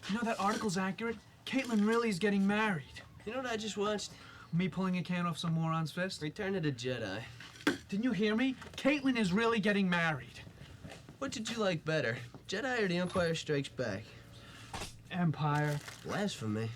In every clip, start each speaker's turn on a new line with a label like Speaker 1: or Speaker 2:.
Speaker 1: You know, that article's accurate. Caitlin really is getting married.
Speaker 2: You know what I just watched?
Speaker 1: Me pulling a can off some moron's fist?
Speaker 2: Return of the Jedi.
Speaker 1: Didn't you hear me? Caitlin is really getting married.
Speaker 2: What did you like better, Jedi or The Empire Strikes Back?
Speaker 1: Empire.
Speaker 2: Blasphemy.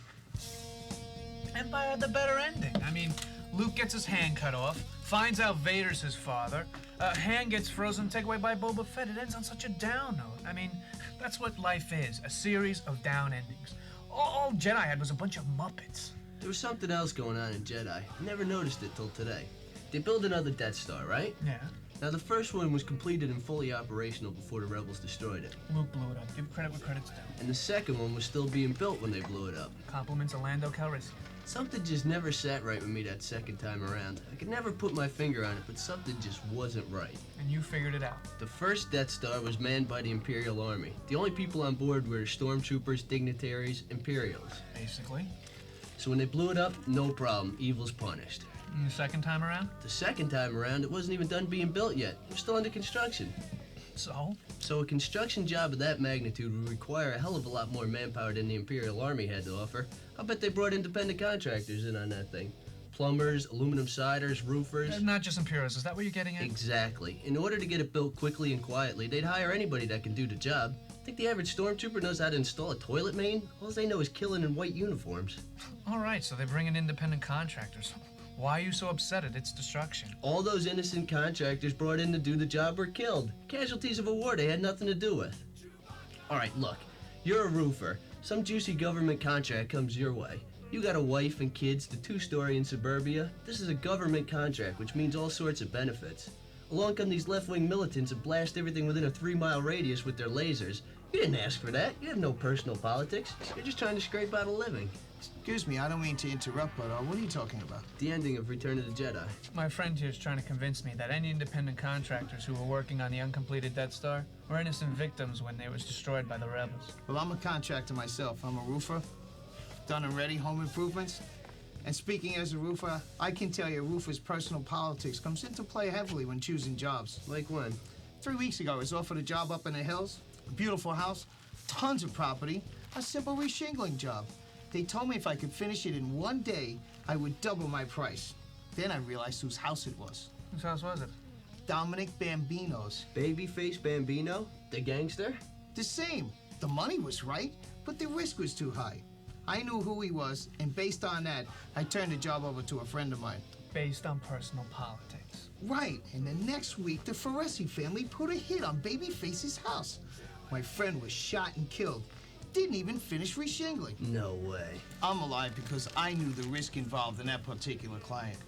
Speaker 1: Empire had the better ending. I mean, Luke gets his hand cut off, finds out Vader's his father, hand gets frozen, taken away by Boba Fett. It ends on such a down note. I mean, that's what life is, a series of down endings. All Jedi had was a bunch of Muppets.
Speaker 2: There was something else going on in Jedi. I never noticed it till today. They built another Death Star, right?
Speaker 1: Yeah.
Speaker 2: Now, the first one was completed and fully operational before the Rebels destroyed it.
Speaker 1: Luke blew it up. Give credit where credit's due.
Speaker 2: And the second one was still being built when they blew it up.
Speaker 1: Compliments of Lando Calrissian.
Speaker 2: Something just never sat right with me that second time around. I could never put my finger on it, but something just wasn't right.
Speaker 1: And you figured it out.
Speaker 2: The first Death Star was manned by the Imperial Army. The only people on board were stormtroopers, dignitaries, Imperials.
Speaker 1: Basically.
Speaker 2: So when they blew it up, no problem. Evil's punished.
Speaker 1: And the second time around?
Speaker 2: The second time around, it wasn't even done being built yet. It was still under construction.
Speaker 1: So?
Speaker 2: So a construction job of that magnitude would require a hell of a lot more manpower than the Imperial Army had to offer. I bet they brought independent contractors in on that thing. Plumbers, aluminum siders, roofers.
Speaker 1: Not just Imperials. Is that what you're getting at?
Speaker 2: Exactly. In order to get it built quickly and quietly, they'd hire anybody that can do the job. Think the average stormtrooper knows how to install a toilet main? All they know is killing in white uniforms.
Speaker 1: All right, so they bring in independent contractors. Why are you so upset at its destruction?
Speaker 2: All those innocent contractors brought in to do the job were killed. Casualties of a war they had nothing to do with. All right, look, you're a roofer. Some juicy government contract comes your way. You got a wife and kids, the two-story in suburbia. This is a government contract, which means all sorts of benefits. Along come these left-wing militants and blast everything within a 3-mile radius with their lasers. You didn't ask for that. You have no personal politics. You're just trying to scrape out a living.
Speaker 3: Excuse me, I don't mean to interrupt, but what are you talking about?
Speaker 2: The ending of Return of the Jedi.
Speaker 1: My friend here is trying to convince me that any independent contractors who were working on the uncompleted Death Star were innocent victims when it was destroyed by the rebels.
Speaker 3: Well, I'm a contractor myself. I'm a roofer. Done and ready home improvements. And speaking as a roofer, I can tell you a roofer's personal politics comes into play heavily when choosing jobs.
Speaker 2: Like when?
Speaker 3: 3 weeks ago, I was offered a job up in the hills, a beautiful house, tons of property, a simple reshingling job. They told me if I could finish it in 1 day, I would double my price. Then I realized whose house it was.
Speaker 1: Whose house was it?
Speaker 3: Dominic Bambino's.
Speaker 2: Babyface Bambino? The gangster?
Speaker 3: The same. The money was right, but the risk was too high. I knew who he was, and based on that, I turned the job over to a friend of mine.
Speaker 1: Based on personal politics.
Speaker 3: Right, and the next week, the Foresi family put a hit on Babyface's house. My friend was shot and killed. Didn't even finish reshingling.
Speaker 2: No way.
Speaker 3: I'm alive because I knew the risk involved in that particular client.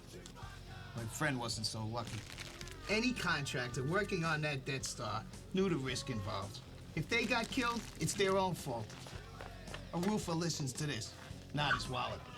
Speaker 3: My friend wasn't so lucky. Any contractor working on that Death Star knew the risk involved. If they got killed, it's their own fault. A roofer listens to this, not his wallet.